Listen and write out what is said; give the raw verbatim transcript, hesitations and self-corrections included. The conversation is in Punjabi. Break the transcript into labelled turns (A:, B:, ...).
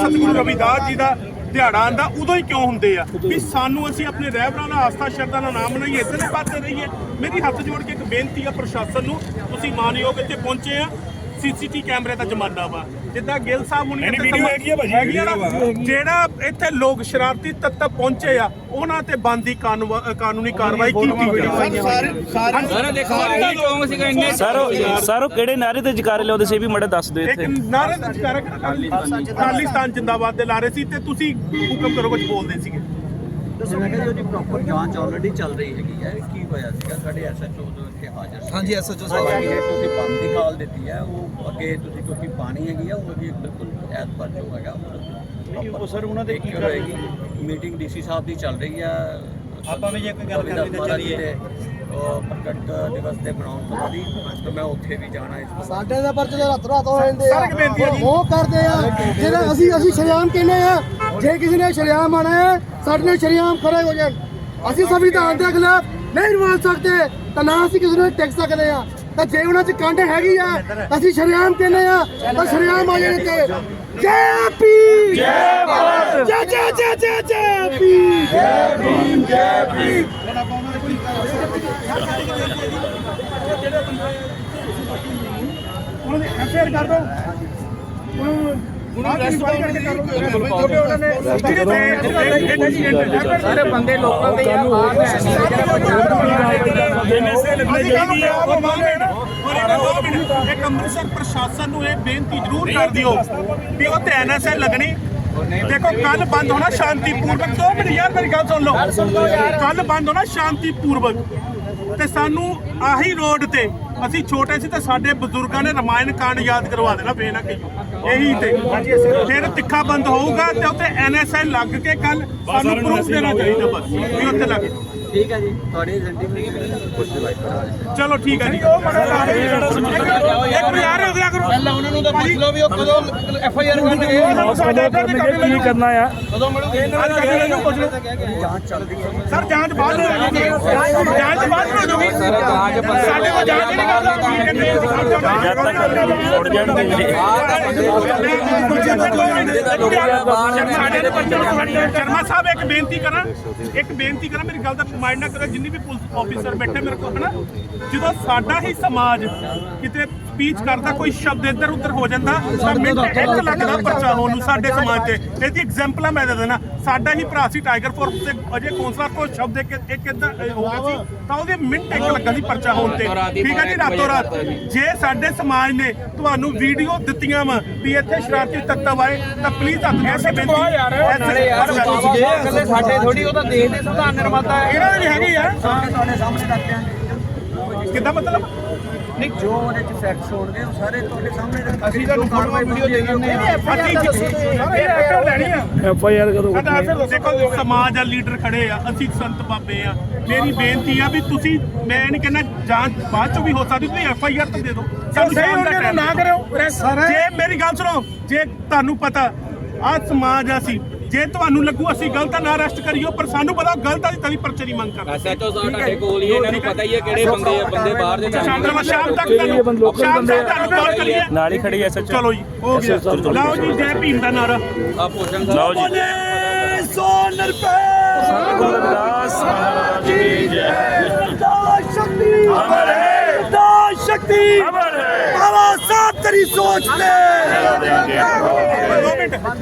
A: सतगुरु रविदास जी का ਦਿਹਾੜਾ ਆਂਦਾ ਉਦੋਂ ਹੀ ਕਿਉਂ ਹੁੰਦੇ ਆ ਵੀ ਸਾਨੂੰ ਅਸੀਂ ਆਪਣੇ ਰਹਿਬਰਾਂ ਨਾਲ ਆਸਥਾ ਸ਼ਰਧਾ ਨਾਲ ਨਾਮ ਬਣਾਈਏ ਇਸੇ ਪਾਸੇ ਰਹੀਏ। ਮੇਰੀ ਹੱਥ ਜੋੜ ਕੇ ਇੱਕ ਬੇਨਤੀ ਆ ਪ੍ਰਸ਼ਾਸਨ ਨੂੰ, ਤੁਸੀਂ ਮਾਨਯੋਗ ਇੱਥੇ ਪਹੁੰਚੇ ਆ, ਸੀਸੀਟੀ ਕੈਮਰੇ ਦਾ ਜ਼ਮਾਨਾ ਵਾ, ਜਿੱਦਾਂ ਗਿੱਲ ਸਾਹਿਬ ਹੁਣੀ ਜਿਹੜਾ ਇੱਥੇ ਲੋਕ ਸ਼ਰਾਰਤੀ ਤੱਤ ਪਹੁੰਚੇ ਆ ਉਹਨਾਂ ਤੇ ਬਣਦੀ ਕਾਨੂੰਨੀ ਕਾਰਵਾਈ ਕੀਤੀ ਗਈ।
B: ਸਰ ਕਿਹੜੇ ਨਾਰੇ ਤੇ ਜਕਾਰੇ ਲਾਉਂਦੇ ਸੀ ਵੀ ਮੜਾ ਦੱਸ ਦਿਓ।
A: ਇੱਕ ਨਾਰੇ ਤੇ ਜਕਾਰਾ ਖਾਲਿਸਤਾਨ ਜਿੰਦਾਬਾਦ ਦੇ ਲਾਰੇ ਸੀ ਤੇ ਤੁਸੀਂ ਹੁਕਮ ਕਰੋ ਕੁਝ ਬੋਲਦੇ ਸੀਗੇ।
C: ਮੈਂ ਕਿਹਾ ਜੀ ਉਹਦੀ ਪ੍ਰੋਪਰ ਜਾਂਚ ਆਲਰੇਡੀ ਚੱਲ ਰਹੀ ਹੈਗੀ ਹੈ। ਕੀ ਹੋਇਆ ਸੀਗਾ ਸਾਡੇ ਐਸਐਚਓ ਜੋ ਇੱਥੇ ਹਾਜ਼ਰ ਸੀ। ਹਾਂਜੀ ਐਸਐਚਓ ਸਾਹਿਬ ਨੇ ਤੁਸੀਂ ਬੰਦ ਦੀ ਕਾਲ ਦਿੱਤੀ ਹੈ, ਉਹ ਅੱਗੇ ਤੁਸੀਂ ਕਿਉਂਕਿ ਪਾਣੀ ਹੈਗੀ ਆ ਉਹਦੀ ਬਿਲਕੁਲ ਐਤਵਾਰ ਜੋ ਹੈਗਾ ਉਹ ਸਰ ਉਹਨਾਂ ਦੇ ਕੀ ਹੋਏਗੀ। ਮੀਟਿੰਗ ਡੀਸੀ ਸਾਹਿਬ ਦੀ ਚੱਲ ਰਹੀ ਹੈ। ਆਪਾਂ ਵੀ ਜੇ ਕੋਈ ਗੱਲ ਕਰਨੀ ਤਾਂ ਚੱਲੀਏ ਪ੍ਰਗਟ ਦਿਵਸ ਦੇ ਬਣਾਉਣ ਤੋਂ ਬਾਅਦ ਤਾਂ ਮੈਂ ਉੱਥੇ ਵੀ ਜਾਣਾ ਇਸ
D: ਸਾਡੇ ਦਾ ਪਰਚੇ ਦੇ ਰਾਤ ਰਾਤ ਹੋ ਜਾਂਦੇ ਆ ਉਹ ਕਰਦੇ ਆ ਜਿਹੜਾ ਅਸੀਂ ਅਸੀਂ ਸ਼ਰਿਆਮ ਕਹਿੰਦੇ ਆ। ਜੇ ਕਿਸੇ ਨੇ ਸ਼ਰਿਆਮ ਆਣਾ ਹੈ ਸਾਡੇ ਨਾਲ ਸ਼ਰਿਆਮ ਖੜੇ ਹੋ ਜਾਣ। ਅਸੀਂ ਸੰਵਿਧਾਨ ਦੇ ਖਿਲਾਫ ਨਹੀਂ ਬੋਲ ਸਕਦੇ ਤਾਂ ਨਾ ਅਸੀਂ ਕਿਸੇ ਨੂੰ ਟੈਕਸ ਸਕਦੇ ਆ। ਤਾਂ ਜੇ ਉਹਨਾਂ 'ਚ ਕੰਡ ਹੈਗੀ ਆ ਅਸੀਂ ਸ਼ਰਿਆਮ ਕਹਿੰਦੇ ਆ ਤਾਂ ਸ਼ਰਿਆਮ ਆ ਜਾਣ ਤੇ ਜੈ ਭੀਮ ਜੈ ਭਾਰਤ ਜੈ ਜੈ ਜੈ ਜੈ ਜੈ ਭੀਮ ਜੈ ਭੀਮ ਜੈ ਭੀਮ।
A: ਉਹਨਾਂ ਦੇ ਐਫਆਈਆਰ ਕਰ ਦੋ
E: ਸਾਰੇ ਬੰਦੇ ਲੋਕਲ ਦੇ ਆ
A: ਇੱਕ ਅੰਮ੍ਰਿਤਸਰ ਪ੍ਰਸ਼ਾਸਨ ਨੂੰ ਇਹ ਬੇਨਤੀ ਜ਼ਰੂਰ ਕਰ ਦਿਓ ਵੀ ਉਹ ਤੇ ਐਨਐਸਏ ਲੱਗਣੀ। ਦੇਖੋ ਕੱਲ ਬੰਦ ਹੋਣਾ ਸ਼ਾਂਤੀਪੂਰਵਕ। ਦੋ ਮਿੰਟ ਯਾਰ ਮੇਰੀ ਗੱਲ ਸੁਣ ਲਓ। ਕੱਲ ਬੰਦ ਹੋਣਾ ਸ਼ਾਂਤੀਪੂਰਵਕ ਤੇ ਸਾਨੂੰ ਆਹੀ ਰੋਡ ਤੇ ਅਸੀਂ ਛੋਟੇ ਸੀ ਤੇ ਸਾਡੇ ਬਜ਼ੁਰਗਾਂ ਨੇ ਰਮਾਇਣ ਕਾਂਡ ਯਾਦ ਕਰਵਾ ਦੇਣਾ ਫੇਰ ਨਾ ਕਹੀਓ ਇਹੀ ਤੇ ਫਿਰ ਤਿੱਖਾ ਬੰਦ ਹੋਊਗਾ ਤੇ ਉੱਥੇ ਐਨਐਸਏ ਲੱਗ ਕੇ ਕੱਲ ਸਾਨੂੰ ਪ੍ਰੂਫ ਦੇਣਾ ਚਾਹੀਦਾ ਬਸ ਵੀ ਉੱਥੇ ਲੱਗ।
C: ਠੀਕ ਹੈ ਜੀ ਤੁਹਾਡੀ
A: ਚਲੋ ਠੀਕ ਹੈ ਜੀ। ਇੱਕ ਯਾਰ ਹੋ ਗਿਆ ਕਰੋ
E: ਪਹਿਲਾਂ ਉਹਨਾਂ ਨੂੰ ਤਾਂ ਪੁੱਛ ਲਓ ਵੀ ਉਹ ਕਦੋਂ ਐਫ ਆਈ ਆਰ ਕਰਨਗੇ
B: ਕੀ ਕਰਨਾ ਆ।
E: ਕਦੋਂ ਮਿਲੂਗੇ
C: ਜਾਂਚ ਚੱਲ ਰਹੀ ਹੈ
A: ਸਰ। ਜਾਂਚ ਬਾਅਦ ਹੋ ਜਾਊਗੀ, ਜਾਂਚ ਬਾਅਦ ਹੋ ਜਾਊਗੀ। ਸਾਡੇ ਕੋਲ ਜਾਂਚ ਨਹੀਂ ਕਰਦਾ ਸ਼ਰਮਾ ਸਾਹਿਬ ਇੱਕ ਬੇਨਤੀ ਕਰਾਂ ਇੱਕ ਬੇਨਤੀ ਕਰਾਂ ਮੇਰੀ ਗੱਲ ਦਾ ਮਾਈਂਡ ਨਾ ਕਰੋ। ਜਿੰਨੀ ਵੀ ਪੁਲਿਸ ਆਫੀਸਰ ਬੈਠੇ ਮੇਰੇ ਕੋਲ ਹਨਾ, ਜਦੋਂ ਸਾਡਾ ਹੀ ਸਮਾਜ ਕਿਤੇ ਸਪੀਚ ਕਰਦਾ ਕੋਈ ਸ਼ਬਦ ਇੱਧਰ ਉੱਧਰ ਹੋ ਜਾਂਦਾ ਤਾਂ ਮਿੰਟ ਇੱਕ ਲੱਗਦਾ ਪਰਚਾ ਹੋਣ ਨੂੰ ਸਾਡੇ ਸਮਾਜ ਤੇ। ਇਹਦੀ ਐਗਜ਼ਾਮਪਲਾਂ ਮੈਂ ਦੇ ਦੇਣਾ। ਸਾਡਾ ਹੀ ਭਰਾ ਸੀ ਟਾਈਗਰ ਫੋਰਸ ਤੇ ਅਜੇ ਕੌਂਸਲਰ ਕੋਲ ਸ਼ਬਦ ਇੱਕ ਇੱਕ ਇੱਦਾਂ ਹੋ ਗਿਆ ਸੀ ਤਾਂ ਉਹਦੇ ਮਿੰਟ ਇੱਕ ਲੱਗਾ ਸੀ ਪਰਚਾ ਹੋਣ ਤੇ। ਠੀਕ ਹੈ ਜੀ। ਰਾਤੋਂ ਰਾਤ ਜੇ ਸਾਡੇ ਸਮਾਜ ਨੇ ਤੁਹਾਨੂੰ ਵੀਡੀਓ ਦਿੱਤੀਆਂ ਵਾ ਵੀ ਇੱਥੇ ਸ਼ਰਾਰਤੀ ਤੱਤਵ ਆਏ ਤਾਂ ਪਲੀਜ਼ ਹੱਥ ਜੋੜ ਕੇ ਬੇਨਤੀ
E: ਸਾਡੇ ਥੋੜੀ ਉਹ ਤਾਂ ਦੇਸ਼ ਦੇ ਸੰਵਿਧਾਨ ਨਿਰਮਾਤਾ ਹੈ।
A: ਇਹਨਾਂ ਦੀ ਹੈਗੀ ਆ
C: ਤੁਹਾਡੇ ਸਾਹਮਣੇ ਰੱਖ ਦਿਆਂਗੇ।
A: ਕਿੱਦਾਂ ਮਤਲਬ
C: ਨਹੀਂ ਜੋ ਉਹਦੇ ਚ ਫੈਕਟਸ ਹੋਣਗੇ ਉਹ ਸਾਰੇ ਤੁਹਾਡੇ ਸਾਹਮਣੇ ਰੱਖ
E: ਅਸੀਂ ਤੁਹਾਨੂੰ ਫੋਟੋ ਵੀਡੀਓ ਦੇ ਦਿੰਦੇ ਆ।
A: ਲੈਣੀ ਆ
B: ਐਫ ਆਈ ਆਰ ਕਰੋ।
A: ਦੇਖੋ ਸਮਾਜ ਆ, ਲੀਡਰ ਖੜੇ ਆ, ਅਸੀਂ ਸੰਤ ਬਾਬੇ ਆ। ਮੇਰੀ ਬੇਨਤੀ ਆ ਵੀ ਤੁਸੀਂ ਮੈਂ ਨਹੀਂ ਕਹਿੰਦਾ ਜਾਂਚ ਬਾਅਦ ਚੋਂ ਵੀ ਹੋ ਸਕਦੀ, ਤੁਸੀਂ ਐਫ ਆਈ ਆਰ ਤਾਂ ਦੇ ਦਿਓ। ਸਾਨੂੰ ਨਾ ਕਰਿਓ। ਜੇ ਮੇਰੀ ਗੱਲ ਸੁਣੋ, ਜੇ ਤੁਹਾਨੂੰ ਪਤਾ ਆ ਸਮਾਜ ਆ ਸੀ, ਜੇ ਤੁਹਾਨੂੰ ਲੱਗੂ ਅਸੀਂ ਗਲਤ ਨਾ ਅਰੈਸਟ ਕਰੀਓ ਪਰ ਸਾਨੂੰ ਪਤਾ ਗਲਤ ਆ ਤਦੀ ਪਰਚੇ ਦੀ ਮੰਗ ਕਰਦੇ।
E: ਐਸਐਚਓ ਸਾਹਿਬ ਤੁਹਾਡੇ ਕੋਲ ਹੀ ਇਹਨਾਂ ਨੂੰ ਪਤਾ ਹੀ ਹੈ ਕਿਹੜੇ ਬੰਦੇ ਆ ਬੰਦੇ ਬਾਹਰ ਦੇ
A: ਸ਼ਾਮ ਤੱਕ ਸ਼ਾਮ ਤੱਕ ਤੁਹਾਨੂੰ ਕਾਲ ਕਰੀਏ
B: ਨਾਲ ਹੀ ਖੜੀ ਐ ਸੱਚ।
A: ਚਲੋ ਜੀ ਹੋ ਗਿਆ। ਲਓ ਜੀ ਜੈ ਭੀਮ ਦਾ ਨਾਰਾ
E: ਆ ਭੋਜਨ
B: ਲਓ ਜੀ।
D: ਸੋ ਨਰਪੇ
B: ਸਤਿਗੁਰੂ ਰਵਿਦਾਸ ਮਹਾਰਾਜ ਕੀ ਜੈ।
D: ਦਾਸ ਸ਼ਕਤੀ ਅਮਰ ਹੈ ਦਾਸ ਸ਼ਕਤੀ ਅਮਰ ਹੈ। ਬਾਬਾ ਸਾਹਿਬ ਤੇਰੀ ਸੋਚ ਤੇ
A: ਦੋ ਮਿੰਟ